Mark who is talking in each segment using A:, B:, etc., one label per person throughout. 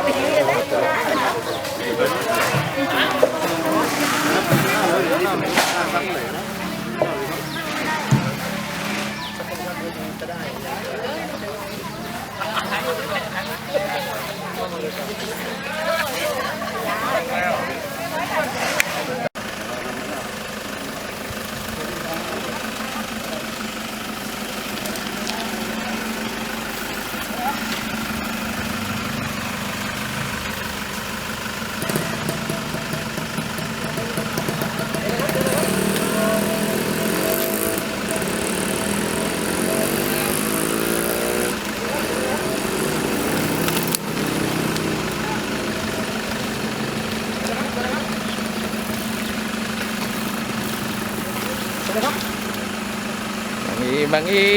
A: บางอี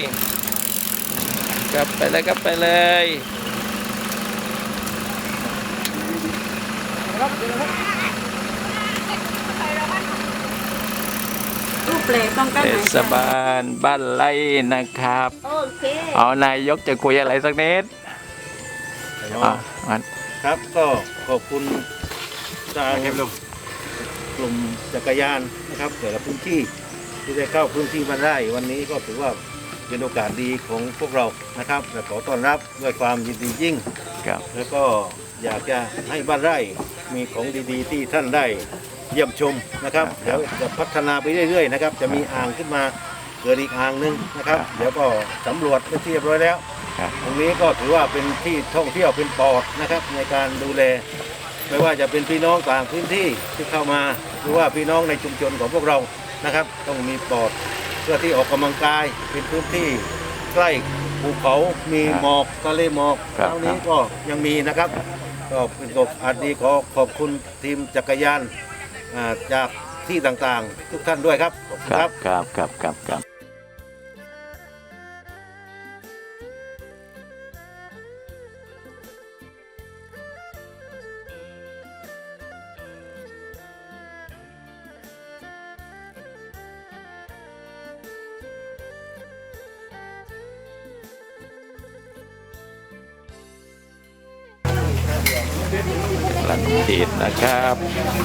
A: กลับไปเลยกลับไปเลยเทศบาลบ้านไร่นะครับเอานายกจะคุยอะไรสักนิด
B: ครับก็ขอบคุณทางกลุ่มจักรยานนะครับแต่ละพื้นที่ที่ได้เข้าพื้นที่บ้านไร่วันนี้ก็ถือว่าเป็นโอกาสดีของพวกเรานะครับและขอต้อนรับด้วยความยินดียิ่งแล้วก็อยากจะให้บ้านไร่มีของดีๆที่ท่านได้เยี่ยมชมนะครับเดี๋ยวจะพัฒนาไปเรื่อยๆนะครับจะมีอ่างขึ้นมาเกิดอีกอ่างนึงนะครับเดี๋ยวก็สำรวจไปเรียบร้อยแล้วตรงนี้ก็ถือว่าเป็นที่ท่องเที่ยวเป็นปอดนะครับในการดูแลไม่ว่าจะเป็นพี่น้องต่างพื้นที่ที่เข้ามาหรือว่าพี่น้องในชุมชนของพวกเรานะครับต้องมีปอดเพื่อที่ออกกำลังกายเป็นพื้นที่ใกล้ภูเขามีหมอกทะเลหมอกเท่านี้ก็ยังมีนะครับก็เป็นโอกาสดีขอขอบคุณทีมจักรยานจากที่ต่างๆทุกท่านด้วยครับ
A: ครับลันติดนะครับ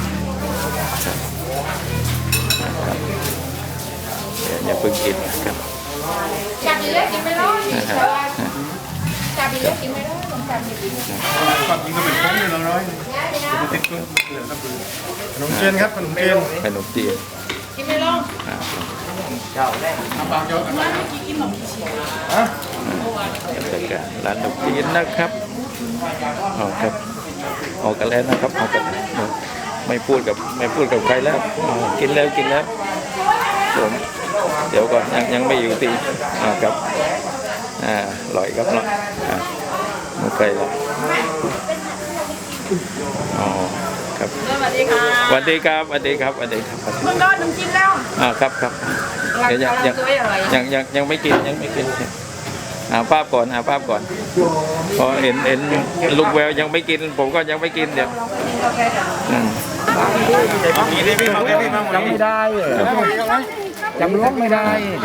A: อย่าเพิ่งกินครับ
C: จับดีเลยกินไม่ร้อนจับดีเลยกินไม่ร้อนจับดี
D: ความจริงก็เป็นของเนี่ยเราร้อยติดตัวเหลือครับขนมจีนครับขนมจีน
C: กินไม่ร้อน
D: เจ้าแรกบางเจ้า
C: ไม่กินขนมจีน
A: ร้านขนมจีนนะครับครับออกกันแล้วนะครับออกกันไม่พูดกับใครแล้วกินแล้วผมเดี๋ยวก่อนยังไม่อยู่ตีครับอร่อยครับอร่อยไม่เคยหรอกครับ
C: สวัสดีค่ะ
A: สวัสดีครับเ
C: พิ่งโดนขนมจีนแล้ว
A: ครับเดี๋ยวยังไม่กินภาพก่อนพอเห็นลูกแววยังไม่กินผมก็ยังไม่กินเดี๋ยว
D: จำไม่ได้จำล้วงไม่ได้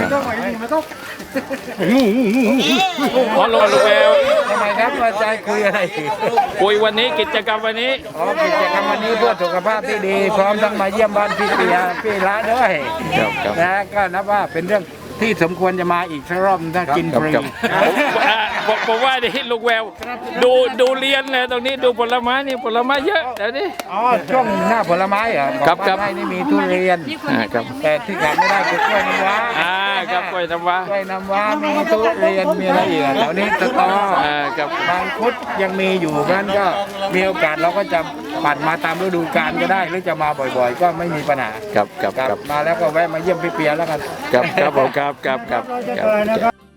A: พอลูกแวว
D: ทำไมครับว่าใจคุยอะไร
A: คุยวันนี้กิจกรรมวันนี้
D: กิจกรรมวันนี้เพื่อสุขภาพที่ดีพร้อมทั้งมาเยี่ยมบ้านพี่ละด้วยนะก็นับว่าเป็นเรื่องที่สมควรจะมาอีกสักรอบถ้ากินฟรี
A: ผมว่าดิลูกแววดูเรียนเลยตรงนี้ดูผลไม้นี่ผลไม้เยอะเดี๋ยวนี้
D: ช่วงหน้าผลไม้เหรอ
A: ครับ
D: นี่มีทุเรียนแต่ที่ขาดไม่ได้คือกล้วยน้ำว้า
A: ครับกล้วยน้ำว้า
D: มีทุเรียนมีอะไรอีกแถวนี้สตอ
A: กั
D: บบางคุดยังมีอยู่นั้นก็มีโอกาสเราก็จะปั่นมาตามฤดูกาลก็ได้หรือจะมาบ่อยๆก็ไม่มีปัญหา
A: ครับ
D: มาแล้วก็แวะมาเยี่ยมพี่เปียแล้วกัน
A: ครับผมครับ